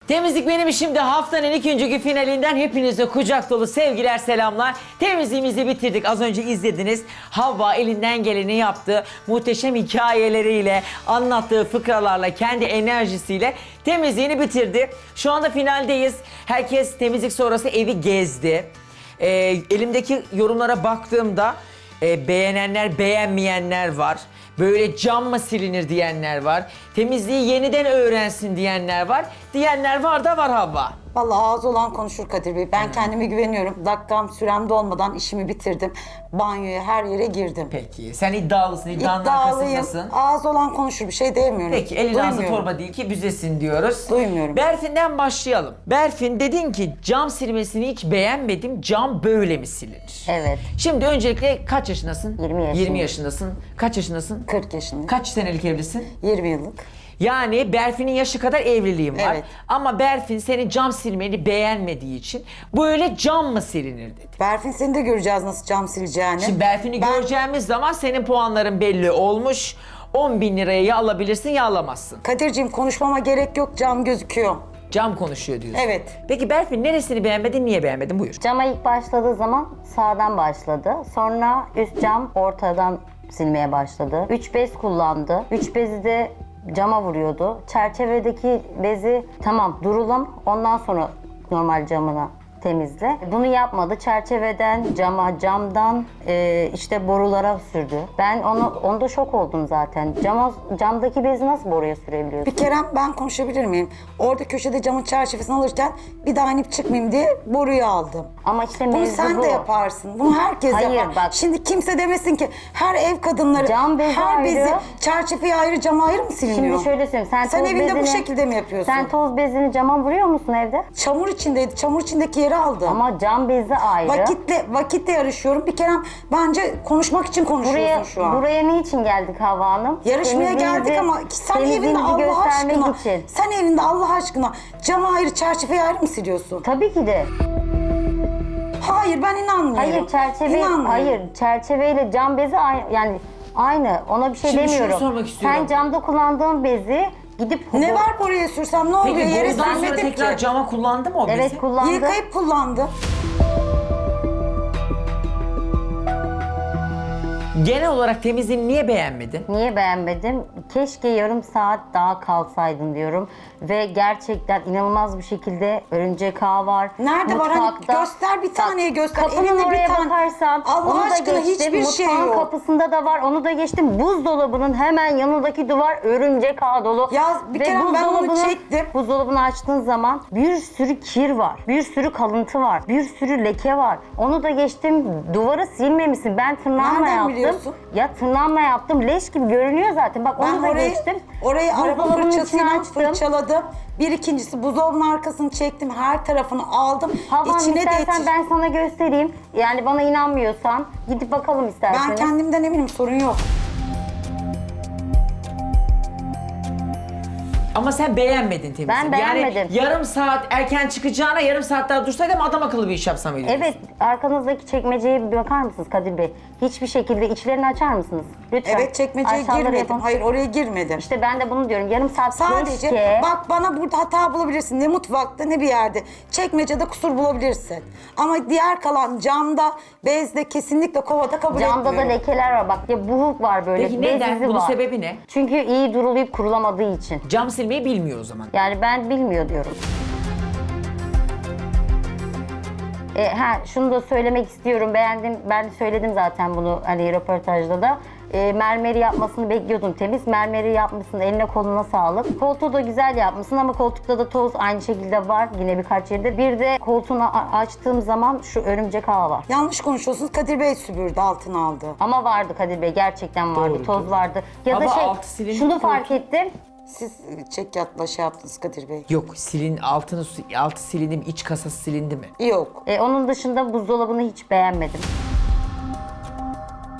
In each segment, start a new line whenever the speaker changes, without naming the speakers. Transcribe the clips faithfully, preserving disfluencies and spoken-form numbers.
Temizlik benim işimde haftanın ikinci finalinden hepinize kucak dolu sevgiler, selamlar. Temizliğimizi bitirdik. Az önce izlediniz. Havva elinden geleni yaptı. Muhteşem hikayeleriyle, anlattığı fıkralarla, kendi enerjisiyle temizliğini bitirdi. Şu anda finaldeyiz. Herkes temizlik sonrası evi gezdi. Ee, elimdeki yorumlara baktığımda e, beğenenler, beğenmeyenler var. Böyle cam mı silinir diyenler var. Temizliği yeniden öğrensin diyenler var. Diyenler var da var Havva.
Vallahi ağzı olan konuşur Kadir Bey. Ben kendime güveniyorum. Dakikam sürem dolmadan işimi bitirdim. Banyoya her yere girdim.
Peki sen iddialısın, iddianın
İddialıyım.
arkasındasın.
Ağzı olan konuşur, bir şey diyemiyorum.
Peki elin ağzı
Duymuyorum.
torba değil ki büzesin diyoruz.
Duymuyorum.
Berfin'den başlayalım. Berfin dedin ki cam silmesini hiç beğenmedim. Cam böyle mi silinir?
Evet.
Şimdi öncelikle kaç yaşındasın?
yirmi yaşındayım.
yirmi yaşındasın. Kaç yaşındasın?
kırk yaşındayım.
Kaç senelik evlisin?
yirmi yıllık.
Yani Berfin'in yaşı kadar evliliğim var.
Evet.
Ama Berfin senin cam silmeni beğenmediği için böyle cam mı silinir dedi.
Berfin seni de göreceğiz nasıl cam sileceğini.
Şimdi Berfin'i
Ben-
göreceğimiz zaman senin puanların belli olmuş. on bin liraya ya alabilirsin ya alamazsın.
Kadir'cim konuşmama gerek yok, cam gözüküyor.
Cam konuşuyor diyorsun.
Evet.
Peki Berfin neresini beğenmedin, niye beğenmedin? Buyur.
Cama ilk başladığı zaman sağdan başladı. Sonra üst cam ortadan silmeye başladı. Üç bez kullandı. Üç bezi de cama vuruyordu. Çerçevedeki bezi tamam durulum, ondan sonra normal camına temizle. Bunu yapmadı. Çerçeveden cama, camdan e, işte borulara sürdü. Ben onu onda şok oldum zaten. Cama, camdaki bezi nasıl boruya sürebiliyorsun?
Bir kere ben konuşabilir miyim? Orada köşede camın çerçevesini alırken bir daha inip çıkmayayım diye boruyu aldım.
Ama işte
Bunu
mevzu
sen
bu.
de yaparsın. Bunu herkes
Hayır,
yapar.
bak.
Şimdi kimse demesin ki her ev kadınları
Cam bezi
her bezi
ayrı.
çerçeveye ayrı, cama ayrı mı siliniyor?
Şimdi şöyle söyleyeyim. Sen,
Sen
toz
evinde bu
bezini-
şekilde mi yapıyorsun?
Sen toz bezini cama vuruyor musun evde?
Çamur içindeydi. Çamur içindeki yeri aldım.
Ama cam bezi ayrı.
Vakitle vakitle yarışıyorum. Bir kere bence konuşmak için konuşuyorsun
Buraya,
şu an.
buraya niçin geldik Havva Hanım?
Yarışmaya
Temizliğinizi-
geldik ama sen evinde
temizliğinizi
Allah
göstermek
aşkına,
için.
sen evinde Allah aşkına cama ayrı, çerçeveye ayrı mı siliyorsun?
Tabii ki de.
Hayır, ben inanmıyorum.
Hayır çerçeve,
İnanmıyorum.
hayır çerçeveyle cam bezi aynı, yani aynı. Ona bir şey
Şimdi şunu
demiyorum.
sormak istiyorum.
Sen camda kullandığın bezi gidip
Ne var oraya sürsem ne oluyor?
Peki
Yere
borudan sonra
sürmedim
tekrar
ki.
cama kullandı mı o bezi?
Evet kullandı.
Yıkayıp kullandım.
Genel olarak temizliğini niye beğenmedin?
Niye beğenmedim? Keşke yarım saat daha kalsaydın diyorum. Ve gerçekten inanılmaz bir şekilde örümcek ağı var.
Nerede var? Hani
Mutfakta-
göster, bir taneye göster.
Kapının
Elinde bir
oraya
tane-
bakarsan
Allah
onu da
aşkına
geçtim.
hiçbir şey
Mutfağın
yok.
kapısında da var. Onu da geçtim. Buzdolabının hemen yanındaki duvar örümcek ağı dolu.
Ya bir
Ve
kere ben onu
buzdolabını-
çektim.
Buzdolabını açtığın zaman bir sürü kir var. Bir sürü kalıntı var. Bir sürü leke var. Onu da geçtim. Duvarı silmemişsin. Ben tırnağımla
Nereden
yaptım.
biliyorsun?
Ya tırnağımla yaptım. Leş gibi görünüyor zaten. Bak
Ben
onu da
orayı,
geçtim.
orayı araba
Buzdolabının içini
fırçasıyla
açtım.
fırçaladım. Bir ikincisi buzdolabının arkasını çektim. Her tarafını aldım.
Havan
İçine de
istersen
yetiş-
ben sana göstereyim. Yani bana inanmıyorsan gidip bakalım isterseniz.
Ben kendimden eminim, sorun yok.
Ama sen beğenmedin temizliği.
Ben beğenmedim.
Yani yarım saat erken çıkacağına yarım saat daha dursaydım adam akıllı bir iş yapsam öyle.
Evet, arkanızdaki çekmeceye bir bakar mısınız Kadir Bey? Hiçbir şekilde içlerini açar mısınız? Lütfen.
Evet, çekmeceye
Aşağıları
girmedim.
yapın.
Hayır, oraya girmedim.
İşte ben de bunu diyorum. Yarım saat
Sadece
keşke.
bak, bana burada hata bulabilirsin. Ne mutfakta ne bir yerde. Çekmecede kusur bulabilirsin. Ama diğer kalan camda, bezde kesinlikle kovada kabul
Camda da
etmiyorum.
lekeler var. Bak ya buhuk var böyle.
Peki
bez
neden?
izi
Bunun
var.
sebebi ne?
Çünkü iyi durulayıp kurulamadığı için.
Cam silmeyi bilmiyor o zaman.
Yani ben bilmiyor diyorum. E, ha, şunu da söylemek istiyorum. Beğendim. Ben söyledim zaten bunu hani röportajda da. E, mermeri yapmasını bekliyordum temiz. Mermeri yapmışsın. Eline koluna sağlık. Koltuğu da güzel yapmışsın ama koltukta da toz aynı şekilde var. Yine birkaç yerde. Bir de koltuğunu a- açtığım zaman şu örümcek ağı var.
Yanlış konuşuyorsunuz. Kadir Bey süpürdü, altına aldı.
Ama vardı Kadir Bey. Gerçekten vardı.
Doğru,
toz
doğru.
vardı. Ya
Ama
da şey
altı silindir
şunu
koltuğu.
fark ettim.
Siz çek yatla şey yaptınız Kadir Bey.
Yok silin altını altı silindi mi? İç kasası silindi mi?
Yok.
E, onun dışında buzdolabını hiç beğenmedim.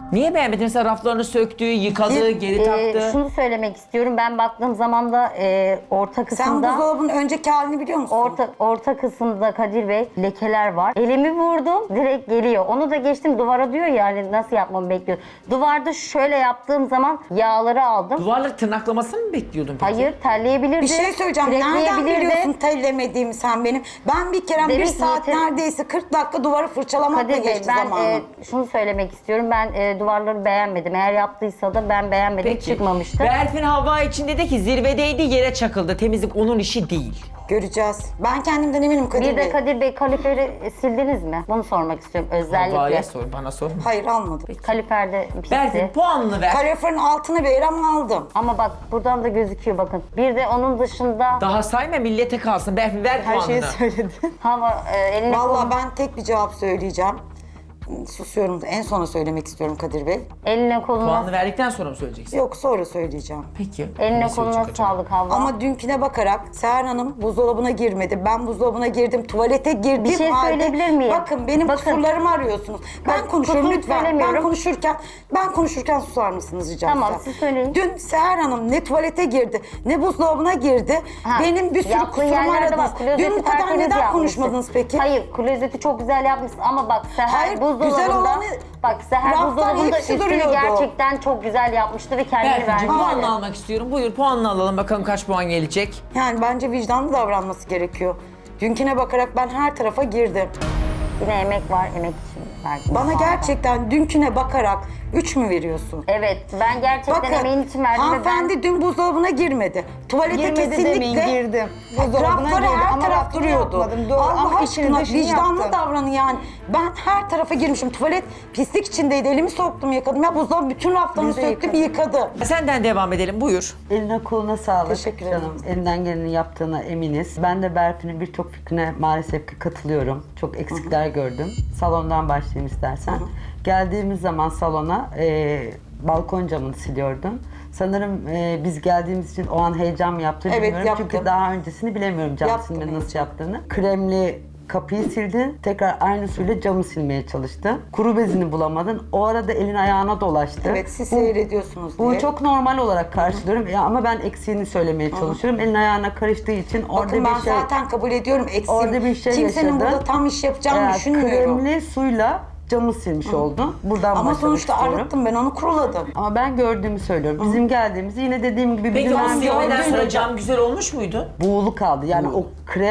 Niye beğenmedin? Mesela raflarını söktü, yıkadı,
Bir-
geri
Ee,
taktı.
şunu söylemek istiyorum. Ben baktığım zaman da e, orta
Sen
kısımda
buzdolabının önceki halini biliyor musun?
orta orta kısımda Kadir Bey lekeler var. Elimi vurdum direkt geliyor. Onu da geçtim duvara diyor ya hani nasıl yapmamı bekliyor. Duvarda şöyle yaptığım zaman yağları aldım.
Duvarları tırnaklamasını mı bekliyordun peki?
Hayır terleyebilirdi.
Bir şey söyleyeceğim. Nereden
kürekleyebilirdi.
biliyorsun tellemediğimi sen benim? Ben bir kere bir
Demek
saat
niyeti-
neredeyse kırk dakika duvarı fırçalamakla
Kadir Bey
geçti
ben
zamanım.
e, şunu söylemek istiyorum. Ben e, duvarları beğenmedim. Eğer yaptıysa da ben beğenmedim.
Peki.
Çıkmamıştı.
Berfin Havva için dedi ki zirvedeydi, yere çakıldı. Temizlik onun işi değil.
Göreceğiz. Ben kendimden eminim Kadir
Bir
Bey.
de Kadir Bey kaliferi sildiniz mi? Bunu sormak istiyorum özellikle.
Havva'ya sor, bana sorma.
Hayır almadım.
Kaliferde pisti.
Berfin puanını ver.
Kaloriferin altını ver ama aldım.
Ama bak buradan da gözüküyor bakın. Bir de onun dışında
Daha sayma, millete kalsın. Berfin ver
Her şeyi
puanını.
söyledin.
hava e, eline
Vallahi
koluna,
ben tek bir cevap söyleyeceğim. Susuyorum da en sona söylemek istiyorum Kadir Bey.
eline koluna,
Puanını verdikten sonra mı söyleyeceksin?
Yok sonra söyleyeceğim.
Peki.
eline
Ne
koluna
söyleyecek acaba?
sağlık Havva.
Ama dünküne bakarak Seher Hanım buzdolabına girmedi. Ben buzdolabına girdim, tuvalete girdim.
Bir şey
halde-
söyleyebilir miyim?
Bakın benim
Bakın.
kusurlarımı arıyorsunuz. Ben
Bak,
konuşuyorum
kusur
lütfen. Ben
söylemiyorum.
konuşurken ben konuşurken susar mısınız rica
Tamam,
etsem?
siz söyleyin.
Dün Seher Hanım ne tuvalete girdi, ne buzdolabına girdi.
Ha,
Benim bir sürü
yaptığı
kusurumu
yerlerde
aradınız.
bak, klozeti
Dün bu kadar
tertemiz
neden
yapmışsın.
konuşmadınız peki?
Hayır, klozeti çok güzel yapmışsın ama bak Seher
Hayır,
buzdolabında,
güzel olanı-
bak Seher
raftan
buzdolabında
hepsi
üstünü
duruyordu.
gerçekten çok güzel yapmıştı ve kendini
Berfin'cim
vermişti.
puanını almak istiyorum. Buyur puanını alalım, bakalım kaç puan gelecek.
Yani bence vicdanlı davranması gerekiyor. Dünküne bakarak ben her tarafa girdim.
Yine emek var, emek için verdim.
Bana gerçekten dünküne bakarak üç mü veriyorsun?
Evet, ben gerçekten emeğin için verdim ve ben...
hanımefendi dün buzdolabına girmedi. Tuvalete
Girmedi
kesinlikle
demeyin, girdim. Buzdolabına
rafları
girdi
her
ama
taraf
rafını
duruyordu.
yapmadım, doğru.
Allah
Ama işini
aşkına
dışını
vicdanlı
yaptım.
davranın yani. Ben her tarafa girmişim. Tuvalet pislik içindeydi. Elimi soktum yıkadım. Ya buzdolabı bütün raflarını
Biz de
söktü bir yıkadı.
Senden devam edelim, buyur.
Eline koluna sağlık.
Teşekkür ederim.
Canım, elinden geleni yaptığına eminiz. Ben de Berfin'in birçok fikrine maalesef ki katılıyorum. Çok eksikler gördüm. Salondan başlayayım istersen. Geldiğimiz zaman salona e, balkon camını siliyordum. Sanırım e, biz geldiğimiz için o an heyecan mı yaptığını
Evet,
bilmiyorum.
yaptım.
Çünkü daha öncesini bilemiyorum cam
Yaptım
silmenin nasıl
heyecan.
yaptığını. Kremli kapıyı sildin, tekrar aynı suyla camı silmeye çalıştın. Kuru bezini bulamadın. O arada elin ayağına dolaştı.
Evet siz
Bu-
seyrediyorsunuz diye.
Bu çok normal olarak karşılıyorum ya ama ben eksiğini söylemeye çalışıyorum. Elin ayağına karıştığı için orada
Bakın ben
bir şey
zaten kabul ediyorum eksiğim.
orada bir şey
Kimsenin
yaşadın.
burada tam iş yapacağını
Ee,
düşünmüyorum.
Kremli suyla camı silmiş oldun. Buradan
Ama
başlamak
sonuçta
istiyorum.
arıttım ben onu kuruladım.
Ama ben gördüğümü söylüyorum. Bizim geldiğimizi yine dediğim gibi
Peki
bizim
o
ben
silmeden
gördüğüm
sonra cam güzel olmuş muydu?
buğulu kaldı. Yani o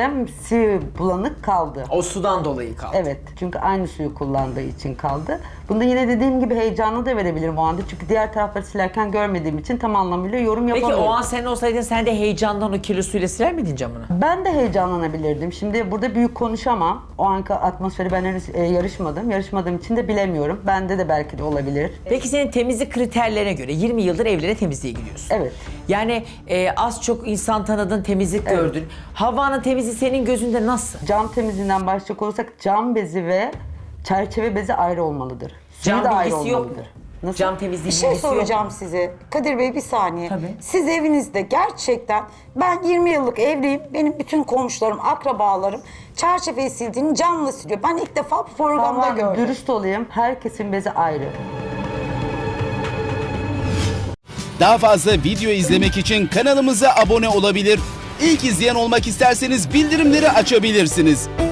kremsi bulanık kaldı.
O sudan dolayı kaldı.
Evet. Çünkü aynı suyu kullandığı için kaldı. Bunda yine dediğim gibi heyecanlı da verebilirim o anda. Çünkü diğer tarafları silerken görmediğim için tam anlamıyla yorum
Peki
yapamıyorum.
o an sen olsaydın sen de heyecandan o kirli suyla siler miydin camını?
Ben de heyecanlanabilirdim. Şimdi burada büyük konuşamam. O anki atmosferi ben henüz e, yarışmadım. Yarışmadığım için de bilemiyorum. Bende de belki de olabilir.
Peki senin temizlik kriterlerine göre yirmi yıldır evlere temizliğe gidiyorsun.
Evet.
Yani e, az çok insan tanıdın, temizlik gördün. Havanın temizliği senin gözünde nasıl?
Cam temizliğinden başlayacak olursak cam bezi ve çerçeve bezi ayrı olmalıdır. Suyu
Cam
da ayrı
bilgisi yok mu?
olmalıdır. Nasıl?
Cam temizliği
Bir şey
bilgisi yok mu?
soracağım size. Kadir Bey bir saniye.
Tabii.
Siz evinizde gerçekten ben yirmi yıllık evliyim. Benim bütün komşularım, akrabalarım çerçeveyi sildiğini camla siliyor. Ben ilk defa bu programda
Tamam,
gördüm.
dürüst olayım. Herkesin bezi ayrı.
Daha fazla video izlemek için kanalımıza abone olabilir. İlk izleyen olmak isterseniz bildirimleri açabilirsiniz.